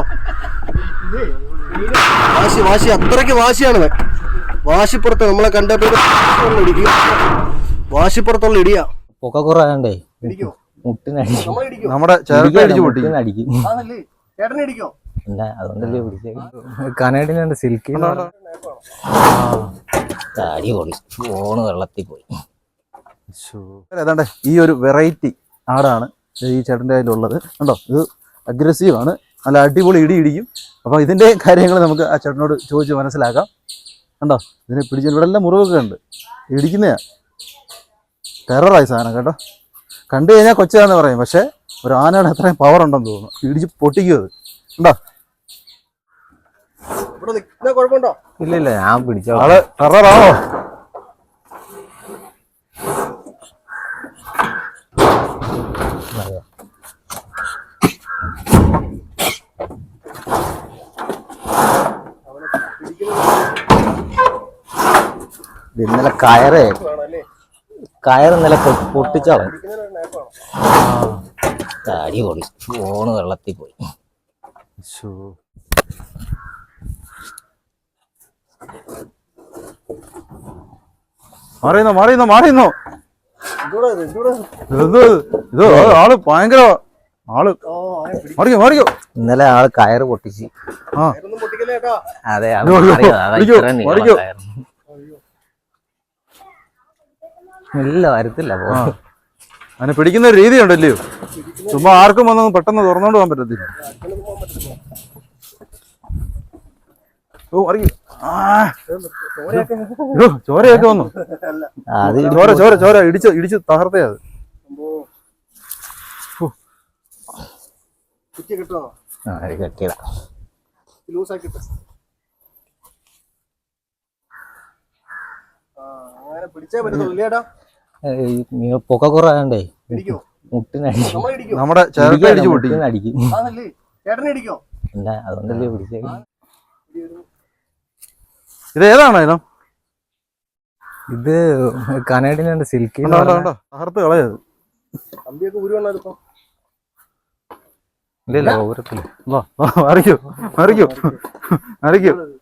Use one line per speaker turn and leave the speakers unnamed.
വാശി അത്രയ്ക്ക് വാശിയാണ്. വാശിപ്പുറത്ത് നമ്മളെ കണ്ടപ്പോ വാശിപ്പുറത്തുള്ള ഇടിയാ.
പൊക്ക കുറയാണ്ടേ
നമ്മുടെ
അടിക്കും.
ഇല്ല
അതുകൊണ്ടല്ലേ പിടിച്ചേ. കനേഡിനുണ്ട് സിൽക്കി താടി പൊളി. ഫോണ് വെള്ളത്തിൽ പോയി.
ഏതാണ്ട് ഈ ഒരു വെറൈറ്റി ആടാണ് ഈ ചേട്ടൻ്റെ കയ്യിലുള്ളത്. കണ്ടോ, ഇത് അഗ്രസീവ് ആണ്, നല്ല അടിപൊളി ഇടിക്കും. അപ്പോൾ ഇതിൻ്റെ കാര്യങ്ങൾ നമുക്ക് ആ ചേട്ടനോട് ചോദിച്ച് മനസ്സിലാക്കാം. കണ്ടോ, ഇതിനെ പിടിച്ച് ഇവിടെ എല്ലാം മുറിവൊക്കെ ഉണ്ട്. ഇടിക്കുന്നതാ, ടെററായി സാധനം കേട്ടോ. കണ്ടു കഴിഞ്ഞാൽ കൊച്ചാന്ന് പറയും, പക്ഷേ ഒരു ആനയുടെ അത്രയും പവർ ഉണ്ടെന്ന് തോന്നുന്നു. ഇടിച്ച് പൊട്ടിക്കും അത്. ഉണ്ടോ, കുഴപ്പമുണ്ടോ?
ഇല്ല ഞാൻ പിടിച്ചോ.
ആള് ടെററാണോ?
ഇന്നലെ ഇന്നലെ പൊട്ടിച്ചാളെ. താടി പൊളി. ഫോണ് വെള്ളത്തിൽ പോയി.
മാറിയുന്നോ ഇത് ആള് ഭയങ്കര ആള്. മാറിക്കോ.
ഇന്നലെ ആള് കയറ് പൊട്ടിച്ച്. അതെ ഇല്ല വരത്തില്ല.
അതിനെ പിടിക്കുന്ന ഒരു രീതി ഉണ്ടല്ലയോ, ചുമ്മാ ആർക്കും വന്നൊന്നും പെട്ടെന്ന് തുറന്നോണ്ട് പോകാൻ പറ്റത്തില്ല. ചോരയൊക്കെ വന്നു. ചോര ഇടിച്ച് തകർത്തേ അത്.
കെട്ടിയതാ. പൊക്ക കുറയാണ്ടേ
നമ്മുടെ
അടിക്കും. ഇല്ല അതുകൊണ്ടല്ലേ പിടിച്ചേ.
ഇത് ഏതാണ് ഇനം?
ഇത് കനേഡിനുണ്ട് സിൽക്കി.
തകർത്ത് കളയത്.
ഇല്ല ഓരത്തില്ല.
മറിക്കൂ